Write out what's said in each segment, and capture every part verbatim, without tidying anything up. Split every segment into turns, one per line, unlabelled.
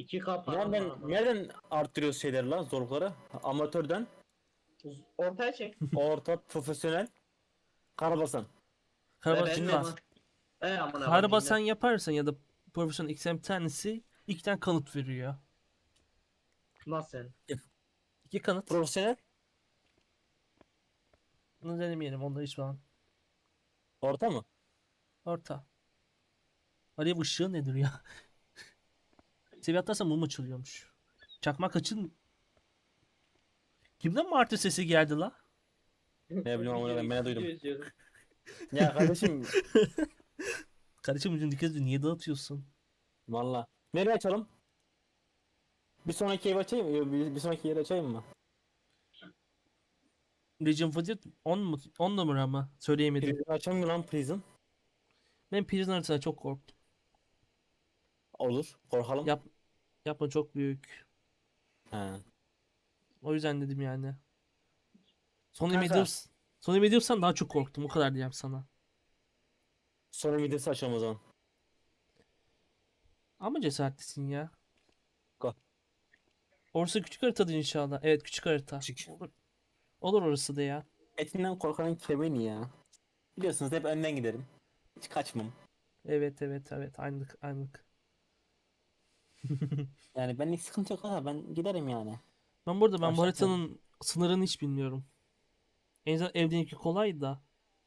iki K param var
Nereden
ama.
nereden arttırıyoruz şeyleri lan zorlukları? Amatörden,
Ortaya çek.
orta, profesyonel, karabasan.
Ve
Karabasan
benim
Cinnet.
ama. E aman aman
Karabasan
cinnet.
yaparsan ya da profesyonel X M bir tanesi iki tane kanıt veriyor.
Nasıl yani?
İki kanıt.
Profesyonel,
Bunu denemeyelim. Onda hiç falan.
orta mı?
Orta. Alev ışığı nedir ya? Seviye atlarsan mum açılıyormuş. Çakmak açın. Kimden martı sesi geldi la?
Ne bileyim amına koyayım, ben de duydum.
Video izliyordum.
Ya kardeşim
Kardeşim ucun dikkat edin. Niye dağıtıyorsun?
valla. Nereye açalım? Bir sonraki ev açayım mı? Yok, Bir, bir sonraki yeri açayım mı?
Legion of Fate on mu? on numara mı? Söyleyemedim.
Prison açalım mı lan Prison?
Ben Prison haritasına çok korktum.
Olur. Korkalım.
Yap, yapma çok büyük.
He.
O yüzden dedim yani. Sony
Kanka.
Mediums. Sony Mediums'tan daha çok korktum. O kadar diyeyim sana.
Sonra videosu açalım o zaman.
Ama cesaretlisin ya.
Go.
Orası küçük haritadır inşallah. Evet küçük harita.
Küçük.
Olur, olur orası da ya.
Etinden korkanın kemiği ya. Biliyorsunuz hep önden giderim. Hiç kaçmam.
Evet evet evet. Aynılık aynılık.
Yani benlik sıkıntı yok ha, ben giderim yani.
Ben burada ben bu
Başlatmadım.
haritanın sınırını hiç bilmiyorum. En azından evdeki kolay da.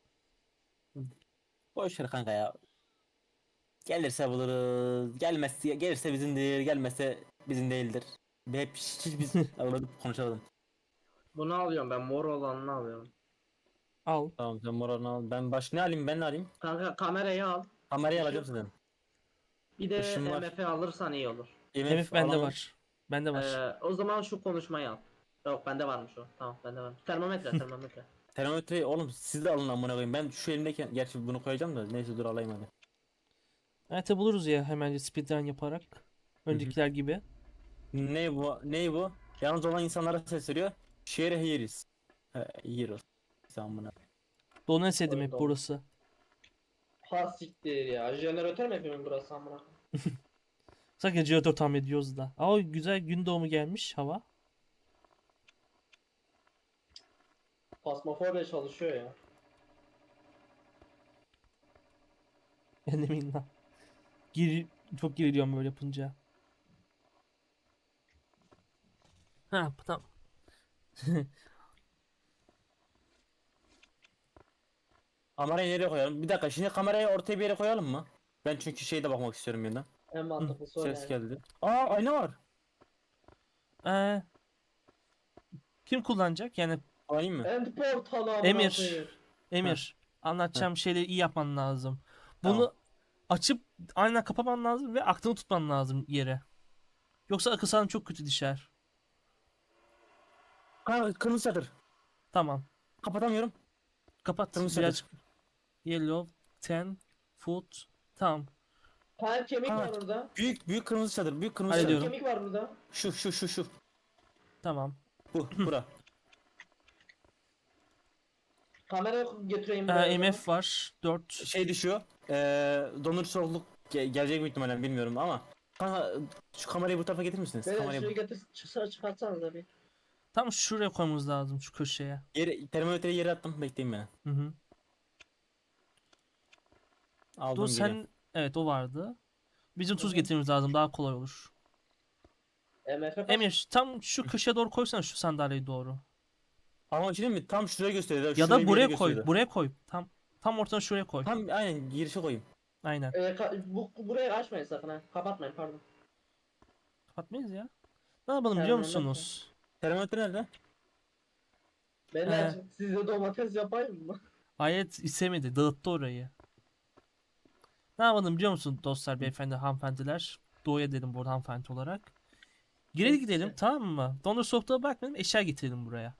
Boş ver kanka ya. Gelirse buluruz. Gelmezse gelirse bizimdir. Gelmezse bizim değildir. Bir hep hiç, hiç biz aradık konuşalım.
Bunu alıyorum ben, mor olanını alıyorum.
Al.
Tamam sen morarını al. Ben baş ne alayım, ben ne alayım?
Kanka kamerayı al.
Kamerayı
Işık.
alacağım sizden.
Bir de
Işın var.
M F alırsan iyi olur.
M
M
F
F bende
alamam.
var. Bende var.
Ee, o zaman şu konuşmayı al. Yok bende varmış o. Tamam bende varmış. Termometre termometre.
Termometreyi oğlum siz de alın amına koyayım. Ben şu elimdeyken gerçi bunu koyacağım da neyse dur alayım hadi.
Harita buluruz ya hemen speedrun yaparak. Öncekiler gibi.
Ne bu? Ne bu? Yalnız olan insanlara sesleniyor. Share heroes. He, heroes. Sen buna.
Donesedim hep
Oyunda
burası.
Ha siktir ya. Jeneratör mü yapıyorum burası amına?
Sanki jeneratör tahmin ediyoruz da. Aa güzel gün doğumu gelmiş hava.
Pasmafobia çalışıyor ya.
Enemin lan. Gir, çok geriliyorum böyle yapınca. Ha tamam.
Kamerayı nereye koyalım? Bir dakika şimdi kamerayı ortaya bir yere koyalım mı? Ben çünkü şeyde bakmak istiyorum yeniden.
En mantıklısı o
Ses
yani.
geldi. Aa ayna var.
Ee, kim kullanacak? Yani
Alayım mı?
End portalı amına
Emir.
koyayım.
Emir. Anlatacağım şeyleri iyi yapman lazım.
Tamam.
Bunu açıp aynen kapaman lazım ve aklını tutman lazım yere. Yoksa akıl sağlığın çok kötü düşer.
Ha kırmızı çadır.
Tamam.
Kapatamıyorum.
Kapat.
Kırmızı
Birazcık
çadır.
yellow, ten, foot. Tamam.
Tane kemik
Ha,
var burada.
büyük büyük kırmızı çadır. Büyük kırmızı
Tane
çadır.
Hallediyorum.
kemik var burada.
Şu şu şu şu.
Tamam.
Bu bura.
Kamera getireyim
Ee,
buraya. o zaman.
M F var. dört.
Şey düşüyor. Ee, dondurucu soğukluk ge- gelecek mi ihtimalle bilmiyorum ama. Kanka şu kamerayı bu tarafa getirir misiniz?
Beyler
Kamerayı
şurayı
bu.
getir çıksa çıkartsanız bir.
Tam şuraya koymamız lazım şu köşeye.
Yere, termometreyi yere attım. Bekleyin beni.
Hı hı.
Aldım
Dur
geliyorum.
sen evet o vardı. Bizim tuz
Hı hı.
getirmemiz lazım daha kolay olur.
M F kaç?
Emir tam şu köşeye doğru koysana şu sandalyeyi doğru.
Ama bir şey diyeyim mi? Tam şuraya gösteriyor.
Ya
Şurayı
da
bir yere
buraya koy.
gösteriyordu.
Buraya koy. Tam tam ortadan şuraya koy.
Tam aynen girişe koyayım.
Aynen.
Ee, ka- bu, burayı açmayın sakın ha. Kapatmayın pardon.
Kapatmayız ya. Ne yapalım biliyor
Termometre.
musunuz?
Termometre nerede?
Beyler
Ee.
size domates yapayım mı?
Ayet istemedi. Dağıttı orayı. Ne yapalım biliyor musun dostlar, beyefendi, hanımefendiler? Doğuya dedim burada hanımefendi olarak. Geri
Neyse.
gidelim tamam mı? Dondur soğukluğa bakmayalım, eşya getirelim buraya.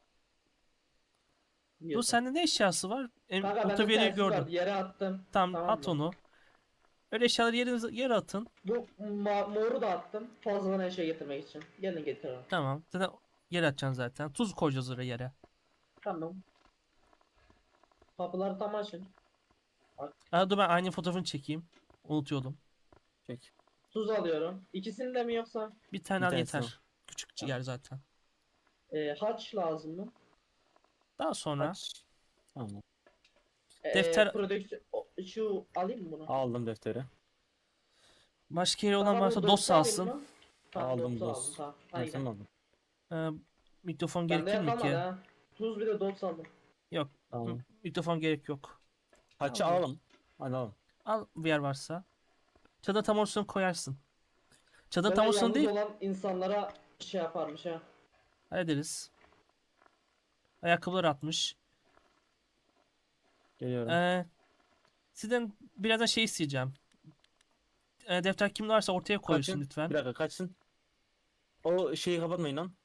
Dur
Yiyorsun.
sende ne eşyası var? Em,
Kanka bende
otobüyeri
telsiz
gördüm.
vardı yere attım.
Tamam, at
mı?
onu. Öyle eşyaları yerinize, yere atın.
Bu ma- moru da attım. Fazladan eşya getirmek için. Gelin getirin.
Tamam. Zaten yere atacaksın zaten. Tuz koyacağız oraya yere.
Tamam. Kapıları tam açın.
Aa, dur ben aynı fotoğrafını çekeyim. Unutuyordum.
Çek.
Tuz alıyorum. İkisini de mi yoksa?
Bir tane
Bir
al
tanesini
yeter. Küçük yer zaten.
Ee, haç lazım mı?
Daha sonra
Kaç? Tamam.
Ee,
Defter-
prodüksiyon o- şu alayım mı bunu?
Aldım defteri.
başka yeri olan
Tamam,
varsa
bu
dos
dörtlü alayım
alsın.
mı? Tamam,
Aldım
dörtlü aldım,
dost.
tamam.
Ben
Hadi
sen
gidelim.
mi aldın?
Ee, mikrofon
Bende
gerekir mi
kalmadı
ki?
ha. Tuz bir de dot aldım.
Yok. m-
Tamam.
Mikrofon gerek yok.
Kaçı
Tamam.
alalım? Hadi alalım.
Al bir yer varsa. Çadır tam ortasına koyarsın. Çadır
Böyle
tam ortasına
yalnız
değil.
olan insanlara şey yaparmış ha.
Hallederiz. Ayakkabılar atmış.
Geliyorum.
Ee, sizden birazdan şey isteyeceğim. Ee, defter kim varsa ortaya koysun
Kaçın.
lütfen.
Bir dakika kaçsın. O şeyi kapatmayın lan.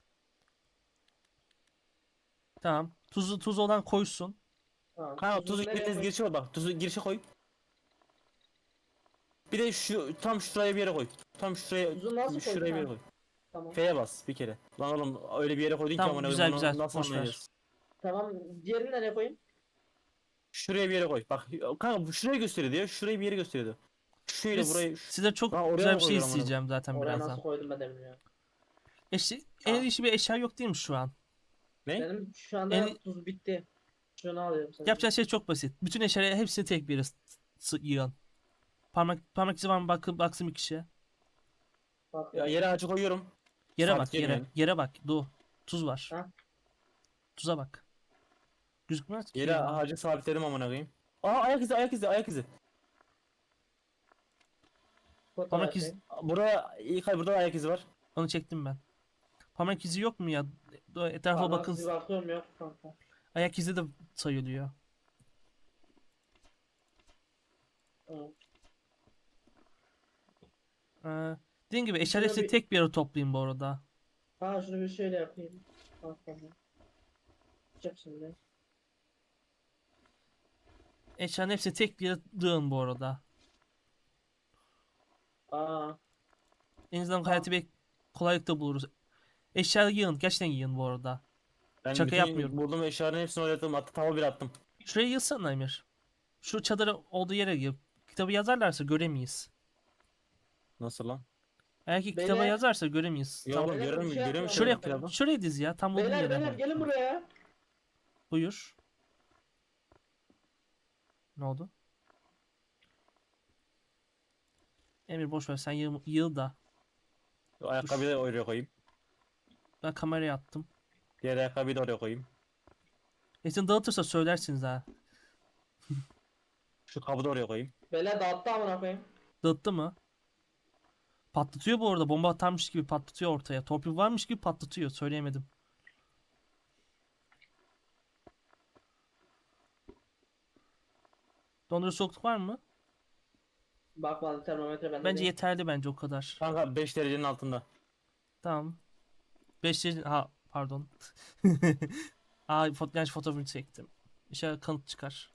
Tamam. Tuzu tuz olan koysun.
Tamam.
Kanka
Tuzu
tuzu
nereye
giriniz
koy-
girişe koy bak. Tuzu girişe koy. Bir de şu tam şuraya bir yere koy. Tam şuraya
Tuzu nasıl
şuraya
koydun
bir yere
ha?
koy.
Tamam.
F'ye bas bir kere. Lan oğlum öyle bir yere koydun ki
Tamam,
amına
güzel,
koyayım, onu
güzel.
nasıl
Boş ver.
anlayacağız?
Tamam. Diğerini nereye koyayım?
Şuraya bir yere koy. Bak kanka bu şurayı gösteriyordu ya. Şurayı bir yere gösteriyordu. Şöyle
Biz
burayı.
size çok
Lan oraya
güzel
mı
bir şey
koyuyorum onu?
isteyeceğim zaten
Oraya
birazdan.
nasıl koydum ben de bilmiyorum.
Eşi,
Tamam.
el işi bir eşya yok değil mi şu an?
Ne?
Benim şu anda
En-
tuz bitti. Şunu alıyorum sana.
Yapacağın şey çok basit. Bütün eşyaları hepsini tek bir yere s- s- yığın. Parmak parmak izi var mı bakın baksın bir kişi.
Bak
Ya yere ağacı koyuyorum.
Yere
Sabit
bak yere.
girmeyelim.
Yere bak. Du. Tuz var.
Ha?
Tuza bak. Gözükmez ki.
Yere
ya.
ağacı sabitledim amına koyayım. Aa ayak izi ayak izi ayak izi.
Fotoğraf
Parmak iz-
çekeyim.
Burada ilk ay burada da ayak izi var.
Onu çektim ben. Parmak izi yok mu ya? Du- Etrafa
Parmak
bakın.
izi bakıyorum, yok kanka.
Ayak izi de sayılıyor.
Evet.
Ee, dediğim gibi eşyaları
Şöyle
hepsini
bir-
tek bir yere toplayın bu arada.
Ha, şunu bir şöyle yapayım. Bak tamam. Çık şimdi.
Eşyaların hepsini tek bir yere dığın bu arada.
Aa,
En azından
Tamam.
hayatı bir kolaylıkla buluruz. Eşyaları yığın. Gerçekten yığın bu arada.
Ben
Şaka
bütün
yapmıyorum.
Bulduğum eşyaların hepsini oynattım. Hatta tava bir attım.
Şuraya yığsana Emir. Şu çadırı olduğu yere yığ. Kitabı yazarlarsa göremeyiz.
Nasıl lan?
Eğer ki
Beyler-
kitaba yazarsa göremeyiz.
Ya
Tam
oğlum
beyler,
görüyor
bir
musun?
şey
Görüyor musun
şuraya
yapıyorum.
kitabı?
şuraya diz ya. Tam bulduğun
beyler
yere.
beyler gelin buraya.
Buyur. Ne oldu? Emir boş ver sen yığ, yığ da.
O ayakkabıyı da oraya koyayım.
Ben kameraya attım.
Diğer ayakkabıyı da oraya koyayım.
Esin dağıtırsa söylersiniz ha.
Şu kabı da oraya koyayım.
Beyler dağıttı amına koyayım.
Dağıttı mı? Patlatıyor bu arada. Bomba atarmış gibi patlatıyor ortaya. Torpil varmış gibi patlatıyor. Söyleyemedim. Dondurucu soğukluk var mı?
Bakmadım, termometre bende
Bence
değil.
yeterli bence o kadar.
Kanka beş derecenin altında.
Tamam. beş ha pardon. Aa foto yanlış fotoğrafını çektim. İnşallah kanıt çıkar.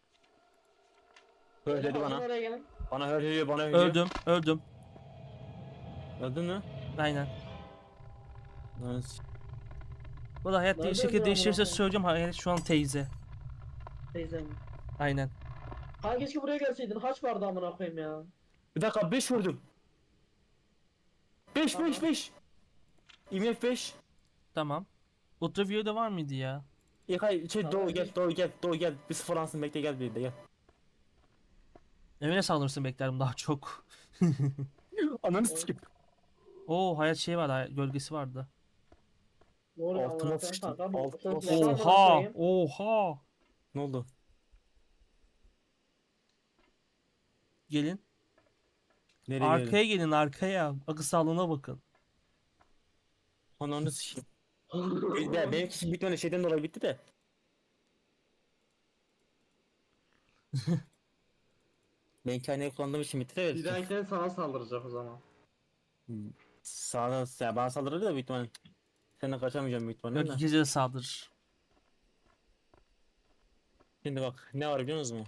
Öyle dedi
Beyler,
bana.
oraya gelin.
Bana öyle diyor, bana öyle diyor.
Öldüm, öldüm.
Öldün mü?
Aynen.
Nice.
Bu da hayat
Nereden
şekil
biliyor
değiştirirse
amına koyayım?
söyleyeceğim. Hayat şu an teyze.
Teyzem.
Aynen.
Ha, keşke buraya gelseydin. Haç vardı amına koyayım ya.
Bir dakika beş gördüm. beş
Tamam.
beş beş. I M F beş.
Tamam. Ultraviyo'da var mıydı ya?
İlkay şey
Tamam,
Doğu gel
beş.
Doğu gel Doğu gel. Bir sıfır ansın bekle gel bir de gel.
Evine saldırırsın beklerim daha çok.
Ananı sikeyim.
Oo hayat şey vardı. hayat gölgesi vardı.
Ne oluyor
Altıma
amına koyayım
sıçtım.
kanka? Bu
Altıma
ses ne amına
Oha!
koyayım?
Oha!
Ne oldu?
Gelin.
Nereye
Arkaya
geldin?
gelin arkaya. Akıl sağlığına bakın.
Ananı sikeyim. Ya benimki için bitmedi şeyden dolayı bitti de. Benimki aynayı kullandığım için bitti de.
Bir dahakine sana saldıracak o zaman.
Sağdan ya bana saldırır da büyük ihtimalle. Senden kaçamayacağım büyük ihtimalle
Yok
de.
gece de saldırır.
Şimdi bak ne var biliyor musunuz mu?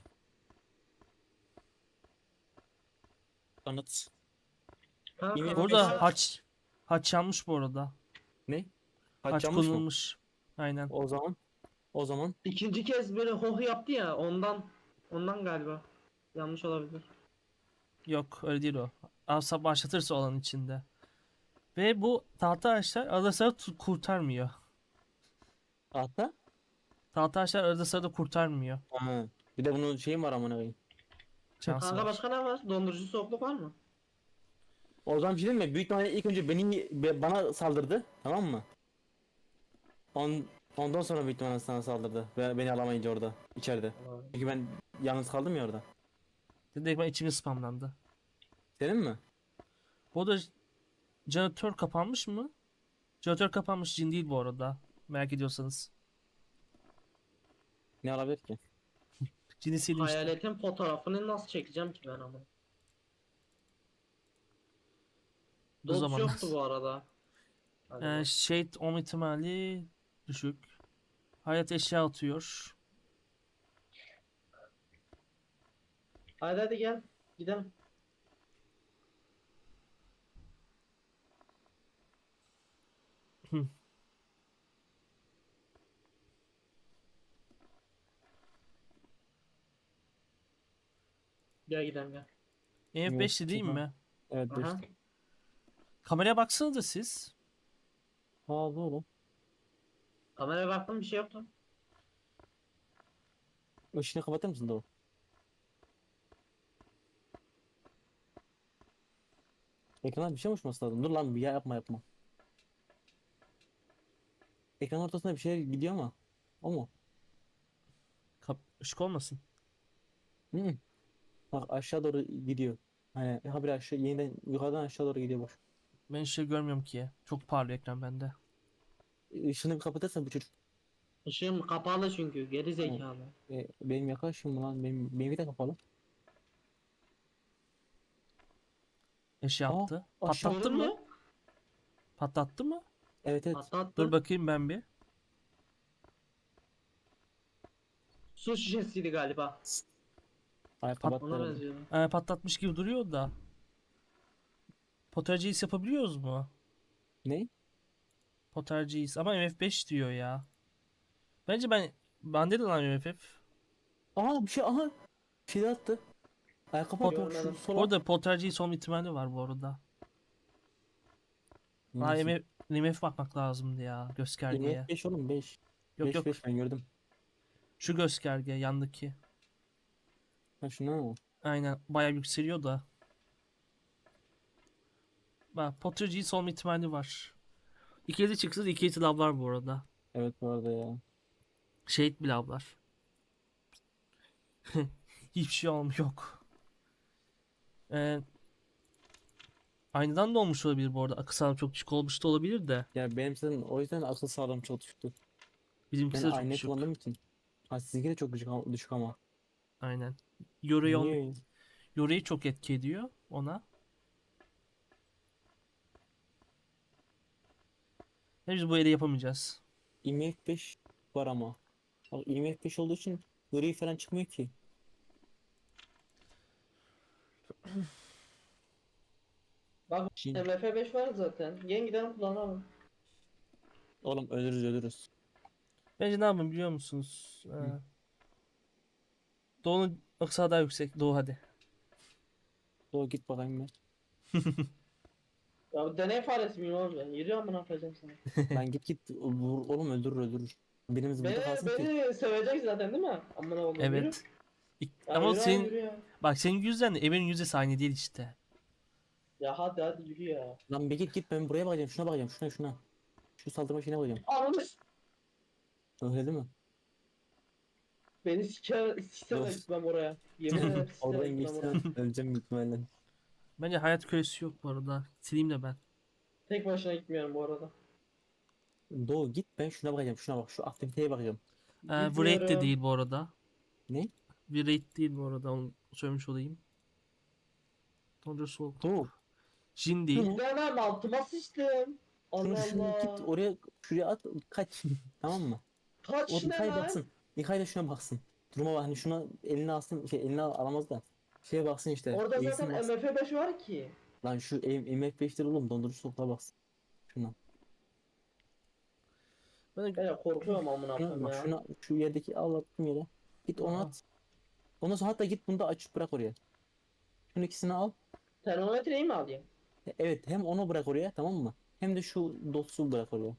Kanıt.
Kanka,
Yine-
Burada
Mesela-
haç haç yanmış bu arada.
Ne?
Haç
Haç yanmış mı?
kullanılmış. Aynen.
O zaman. O zaman.
İkinci kez böyle hoh yaptı ya, ondan ondan galiba. Yanlış olabilir.
Yok öyle değil o. asla başlatırsa olan içinde. Ve bu tahta ağaçlar arada sırada tu- kurtarmıyor.
Hatta
Tahta ağaçlar arada sırada kurtarmıyor.
ha. Bir de bunun şeyi var amına koyayım.
Şansı
Kanka
var.
başka ne var? Dondurucu soğukluk var mı?
O zaman bir şey diyeyim mi? Büyük ihtimalle ilk önce beni be- bana saldırdı. Tamam mı? On, ondan sonra büyük ihtimalle sana saldırdı. Ve beni alamayınca orada. içeride. Çünkü ben yalnız kaldım ya orada.
Direkt ben içimi spamlandı.
Senin mi?
Bu arada jeneratör kapanmış mı? Jeneratör kapanmış, cin değil bu arada. Merak ediyorsanız.
Ne olabilir ki?
Cini sildim işte.
Hayaletin fotoğrafını nasıl çekeceğim ki ben ama?
Bu
Dots
zamanlar.
yoktu bu arada. Hadi
Ee,
bak.
shade olma ihtimali düşük. Hayat eşya atıyor.
Hadi hadi gel. Gidelim.
Hı.
Gel gidelim gel.
E F beşti değil
Yok,
mi?
Evet
Aha.
beşti.
Kameraya baksanıza siz.
Ha doğru.
Kameraya baktım bir şey yoktu.
Işını kapatır mısın doğru? Ekrana bir şey uçması lazım. Dur lan bir ya yapma yapma. Ekran ortasında bir şey gidiyor ama. O mu?
Kap ışık olmasın.
Hı -hı. Bak aşağı doğru gidiyor. Hani ha bir aşağı yeniden yukarıdan aşağı doğru gidiyor boş.
Ben şey görmüyorum ki. Çok parlıyor ekran bende.
Işını bir kapatırsan bu çocuk.
Işığım kapalı çünkü geri zekalı.
E, benim yaklaşım lan benim benimki de kapalı.
Eşya
Aa
attı.
aşağı.
Patlattın
Gördün
mı?
mü?
Patlattı mı?
Evet evet.
Attı attı.
Dur bakayım ben bir.
Su şişesiydi galiba.
Ay
Pat
kapattı
Ona
herhalde.
benziyordu.
Ee, patlatmış gibi duruyor da. Potergeist yapabiliyoruz mu?
Ne?
Potergeist ama M F beş diyor ya. Bence ben bende de lan M F F.
Aha bir şey aha. Bir şey de attı. Ay kapat bak şu
Görmedim.
Bu
sola.
arada Poltergeist olma ihtimali var bu arada. Aa
Neyse.
M F, M F bakmak lazımdı ya göstergeye.
yirmi beş oğlum beş.
Yok
beş
yok,
beş ben gördüm.
şu gösterge yandaki.
Ha şuna.
Aynen bayağı yükseliyor da. Bak Poltergeist olma ihtimali var. İkili çıksın ikili lavlar bu arada.
Evet bu arada ya.
Şehit bir lavlar. Hiçbir şey olmuyor yok. Ee, aynadan da olmuş olabilir bu arada. Akıl sağlığı çok düşük olmuş da olabilir de.
Ya benim zaten o yüzden akıl sağlığım çok düşüktü. Ben
Bizimkisi de çok
aynayı
düşük.
kullandığım için. Ha sizinki de çok düşük, ama- düşük ama.
Aynen. Yoru'yu on-
Niye?
Yoru'yu çok etki ediyor ona. Ve biz bu ele yapamayacağız.
I M F beş var ama. Bak I M F beş olduğu için gri falan çıkmıyor ki.
Bak
Şimdi,
M F beş var zaten. Yeniden kullanalım.
oğlum ölürüz ölürüz.
Bence ne yapın biliyor musunuz? Ee, Doğu'nun aksağı daha yüksek. Doğu hadi.
Doğru git bakayım ben.
Ya bu deney faresi miyim oğlum ben? Yürü amına koyacağım sana.
Lan git git vur, oğlum öldürür öldürür. Birimiz burada
Beni,
kalsın ki.
beni sevecek zaten değil mi? Amına koyayım yürü.
Evet. İk-
Ya
Ama
yürü abi,
senin
yürü ya.
bak senin yüzden de evin yüzdesi aynı değil işte.
Ya hadi hadi yürü ya.
Lan bir git git ben buraya bakacağım şuna bakacağım şuna şuna. Şu saldırma şeyine bakacağım.
Ananı s-
Öyle değil mi?
Beni siker, siksemle
Dur.
gitmem oraya. Yemin ederim siksemle
Oradan
gitmem oraya.
geçsen öleceğim büyük ihtimalle.
Bence hayat kölesi yok bu arada. Sileyim de ben.
Tek başına gitmiyorum bu arada.
Doğu git ben şuna bakacağım şuna bak şu aktiviteye bakacağım.
Ee, bu raid de
Gitmiyorum.
değil bu arada.
Ne?
Bir raid değil bu arada. Onu söylemiş olayım. Tonca soğuk.
Doğu.
Jin değil.
Şunu,
Demem altıma sıçtım.
şunu,
Allah
şunu git
Allah.
oraya şuraya at kaç tamam mı?
Kaç
O
ne
İlkay
lan?
baksın. İlkay da şuna baksın. Duruma bak hani şuna eline alsın şey eline al- alamaz da. Şeye baksın işte.
Orada
eğilsin
zaten
baksın.
M F beş var ki.
Lan şu M F beş'tir oğlum dondurucu soğukluğa baksın. Şuna.
Ben
Ben ya korkuyorum amına
Şuna
koyayım
bak
ya.
şuna şu yerdeki al attım yere. Git onu
Aa.
at. Ondan sonra hatta git bunu da açıp bırak oraya. Şunun ikisini al.
Termometreyi mi alayım?
E, Evet, hem onu bırak oraya, tamam mı? Hem de şu dotsuz bırak oraya.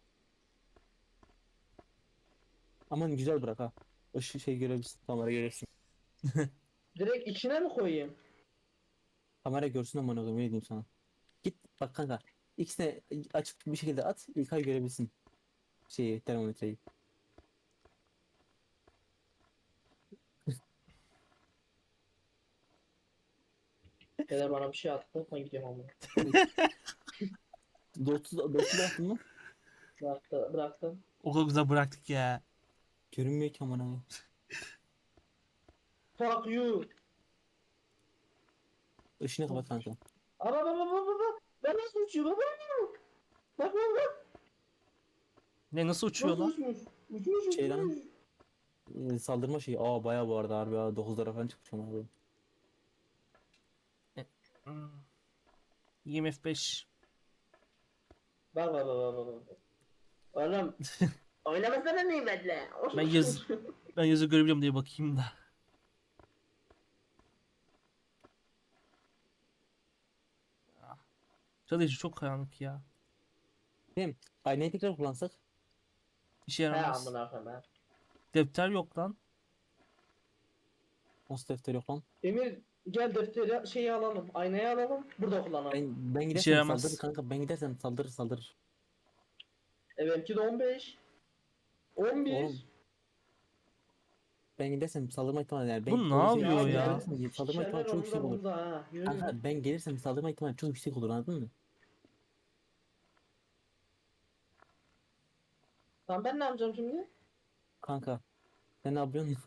Aman güzel bırak ha. Işık şey görebilirsin, kamera görebilirsin.
Direkt içine mi koyayım?
Kamera görsün aman oğlum, ne diyeyim sana. Git bak kanka. İkisine açık bir şekilde at, İlkay görebilsin şeyi, termometreyi.
Dede bana bir şey attı. Ben gidiyorum ama.
Dotsuz, dotsuz bıraktın mı?
Bıraktı, bıraktım.
O kadar güzel bıraktık ya.
Görünmüyor ki aman abi.
Fuck you.
Işını kapat kanka.
Ama baba baba baba. Ben nasıl uçuyor baba? Bak bak bak.
Ne nasıl uçuyor
Nasıl
lan?
uçmuş? Uçmuş
Şey lan.
uçmuş.
Ee, saldırma şeyi. Aa bayağı bu arada harbi ha. dokuzlara falan çıkmış ama abi.
Hmm. I M F beş.
Bak bak bak bak bak. Oğlum. Oynamasana nimetle.
Ben yaz ben yazı görebiliyorum diye bakayım da. Çalışı çok karanlık ya.
Değil mi? Aynayı tekrar kullansak.
İşe
He
yaramaz.
amına koyayım ha.
Defter yok lan.
Nasıl defter yok lan?
Emir gel defteri şeyi alalım. Aynayı alalım. Burada kullanalım.
Ben ben
İşe
gidersem saldırır
yaramaz.
kanka. Ben gidersem saldırır saldırır.
E benimki de on beş. on
Oğlum
bir.
ben gidersem saldırma ihtimali yani. Ben
Bu ne
o şey
yapıyor
Ya
şey
ya?
gel.
gelirsem saldırma
Sikerler
ihtimali çok
onu
yüksek
da
olur.
burada ha. Yürü.
Kanka ben gelirsem saldırma ihtimali çok yüksek olur, anladın mı?
Tamam ben ne yapacağım şimdi?
Kanka sen ne yapıyorsun?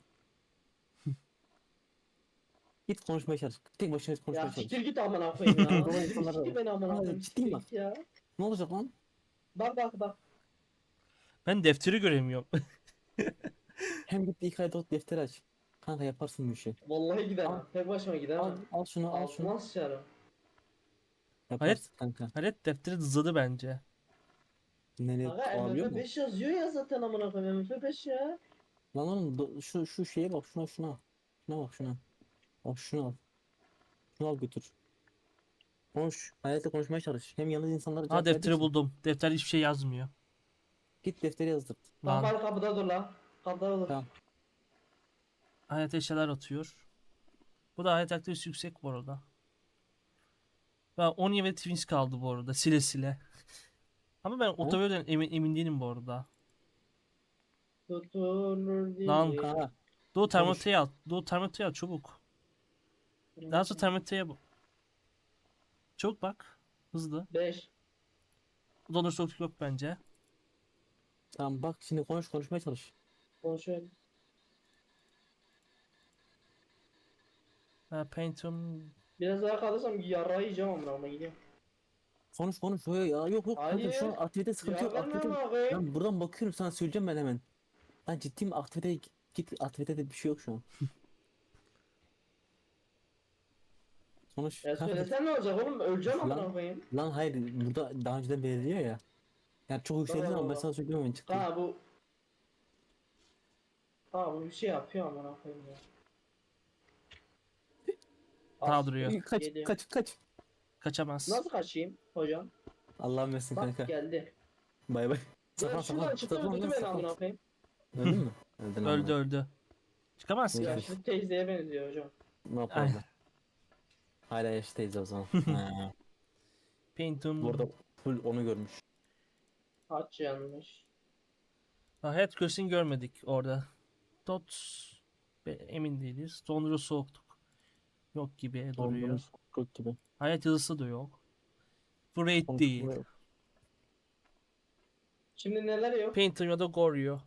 Git konuşmaya çalış. Tek başına git
Ya
konuşmaya çalış.
siktir git amına koyayım ya.
Dolayı
Siktir
insanlara
siktir beni amına
Kanka
koyayım.
ciddiyim
Siktir
bak.
git ya.
Ne olacak lan?
Bak bak bak.
Ben defteri göremiyorum.
Hem git ilk ayda defteri aç. Kanka yaparsın bu işi.
Vallahi
Al
gidemem. Tek başıma
al
gidemem.
al şunu al şunu.
Altıma sıçarım.
Hayır,
Yaparsın kanka.
Halet defteri hızladı bence.
Nereye
Aga
alabiliyor
M F
mu?
beş yazıyor ya zaten amına koyayım. M F beş ya.
Lan oğlum do- şu şu şeye bak, şuna şuna. Şuna bak şuna. Bak şunu al. Şunu al götür. Konuş. Hayatta konuşmaya çalış. Hem yalnız insanlara
Aa,
cevap
defteri
vereceksin.
buldum. Defter hiçbir şey yazmıyor.
Git defteri yazdır.
Tamam
Lan
bari kapıda dur lan. Kapıda olur.
Tamam.
hayat eşyalar atıyor. Bu da hayat aktivitesi yüksek bu arada. Ben Oni ve Twins kaldı bu arada sile sile. Ama ben Otavio'dan emin, emin değilim bu arada.
Tutulur diye.
Lan
Kanka
Doğu
Konuş.
termometreyi al. Doğu termometreyi al çabuk. Daha sonra termometreye bak. Çabuk bak. Hızlı.
beş.
Dondur soğukluk yok bence.
tamam bak şimdi konuş, konuşmaya çalış.
Konuşuyorum.
Ha, Phantom.
Biraz daha kalırsam yarrağı yiyeceğim amına koyayım gidiyorum.
Konuş konuş. Yo, ya yok yok kanka şu an
Hayır.
aktivite sıkıntı
Cevap
yok.
verme
Aktivite.
amına koyayım.
Ben buradan bakıyorum sana, söyleyeceğim ben hemen. Ben ciddiyim, aktivite git, git aktivitede bir şey yok şu an. Konuş
Ya
kanka.
söylesen ne olacak oğlum? Öleceğim amına
Lan,
koyayım.
lan hayır, burada daha önceden belirliyor ya. Yani çok yükseldiği
Tamam,
zaman ben
tamam.
sana söyleyeyim hemen çıktı.
Ha bu. Ha bu bir şey yapıyor amına koyayım ya.
Daha
As-
duruyor.
Kaç
Geliyor.
kaç kaç.
Kaçamaz.
Nasıl kaçayım hocam?
Allah'ım versin
Bak
kanka.
geldi.
Bay bay.
Ya
Saklan
şuradan
saklan.
çıktı
Saklan
öldürdü
lan
beni amına
saklan.
koyayım.
Öldün mü? Öldün
Öldü
amına.
öldü. Çıkamaz ki.
Neyse.
Yaşlı teyzeye benziyor hocam.
Ne
Ay.
yapalım? Hala yaştayız o zaman. Ha.
Phantom.
Bu arada full onu görmüş.
Haç yanmış.
Ha, hayat göğsünü görmedik orada. Dot. Be- emin değiliz. Dondurucu soğukluk. Yok gibi duruyor.
Doldurmuş kök gibi.
Hayat yazısı da yok. Bu raid değil.
Konuşma-
Şimdi neler yok?
Phantom ya da Goryo.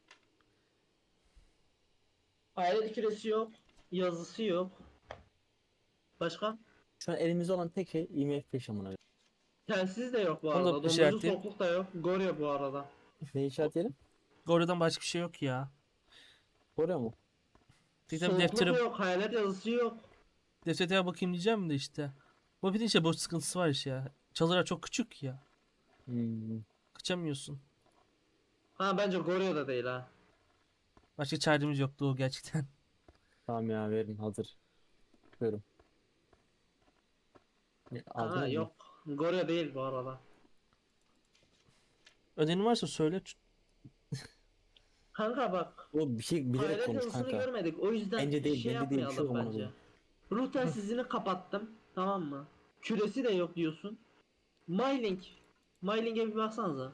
Hayalet küresi yok. Yazısı yok. Başka?
Şu an elimizde olan tek şey I M F beş amına.
Telsiz de yok bu
Onu da
arada. Dondurucu
işaretleyeyim.
soğukluk da yok. Gorya bu arada.
Ne işaretleyelim?
Goryo'dan başka bir şey yok ya.
Oraya mu?
Tek tabi
Soğukluk
deftere,
yok. Hayalet yazısı yok.
deftere bakayım diyeceğim de işte. Bu bir de işte boş sıkıntısı var işte ya. Çalılar çok küçük ya.
Hmm.
Kaçamıyorsun.
Ha bence Gorya da değil ha.
Başka çaremiz yoktu o gerçekten.
Tamam ya, verin hazır. Buyurun. Ya, aldın
Aa
mı?
yok. Goryo değil bu arada.
Ödenin varsa söyle.
Kanka bak.
O bir şey bilerek
Hayalet
konuş
yazısını
kanka.
görmedik. O yüzden
Bence değil,
şey
bence değil, bir şey
yapmayalım
yok amına
bence.
koyayım.
Ruh telsizini kapattım. Tamam mı? Küresi de yok diyorsun. Mylink. Myling'e bir baksanıza.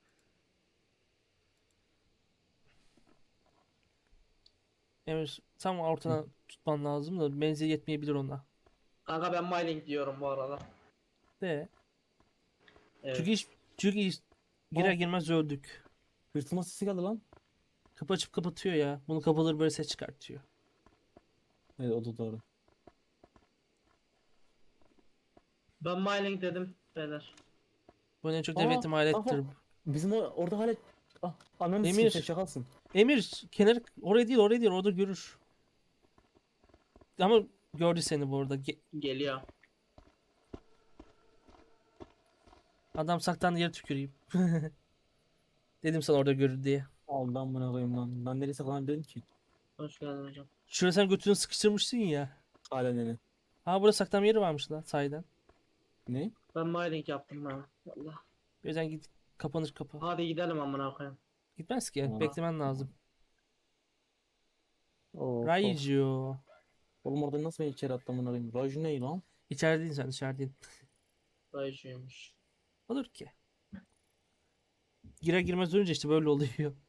Emir tam ortadan tutman lazım da benzeri yetmeyebilir ona.
Kanka ben Mylink diyorum bu arada.
De.
Evet.
Çünkü hiç, çünkü hiç girer
Aa.
girmez öldük.
Hırtılma sesi geldi lan.
Kapı açıp kapatıyor ya. Bunu kapatır böyle ses çıkartıyor.
Evet, o da doğru.
Ben Mylink dedim beyler.
Bu en çok
Aa,
devletim alettir.
kanka, bizim o, orada hala ah, ananı
Emir.
sikeyim, sen şakasın.
Emir kenar oraya değil oraya değil orada görür. Ama gördü seni bu arada. Ge-
Geliyor.
Adam saklandı yere tüküreyim. Dedim sana orada görür diye.
Allah'ım buna koyayım lan. Ben nereye saklanabilirim ki?
Hoş geldin hocam.
Şuraya sen götünü sıkıştırmışsın ya.
Hala nene.
Ha burada saklanma yeri varmış lan sahiden.
Ne?
Ben Mylink yaptım ben. Allah.
O yüzden git kapanır kapı.
Hadi gidelim amına koyayım.
Gitmez ki.
Aa.
Beklemen lazım.
Of, of.
Raijo.
Oğlum orada nasıl beni içeri attım buna koyayım? Raju ne lan?
İçerideydin sen içerideydin.
Raycıymış.
Olur ki. Girer girmez ölünce işte böyle oluyor.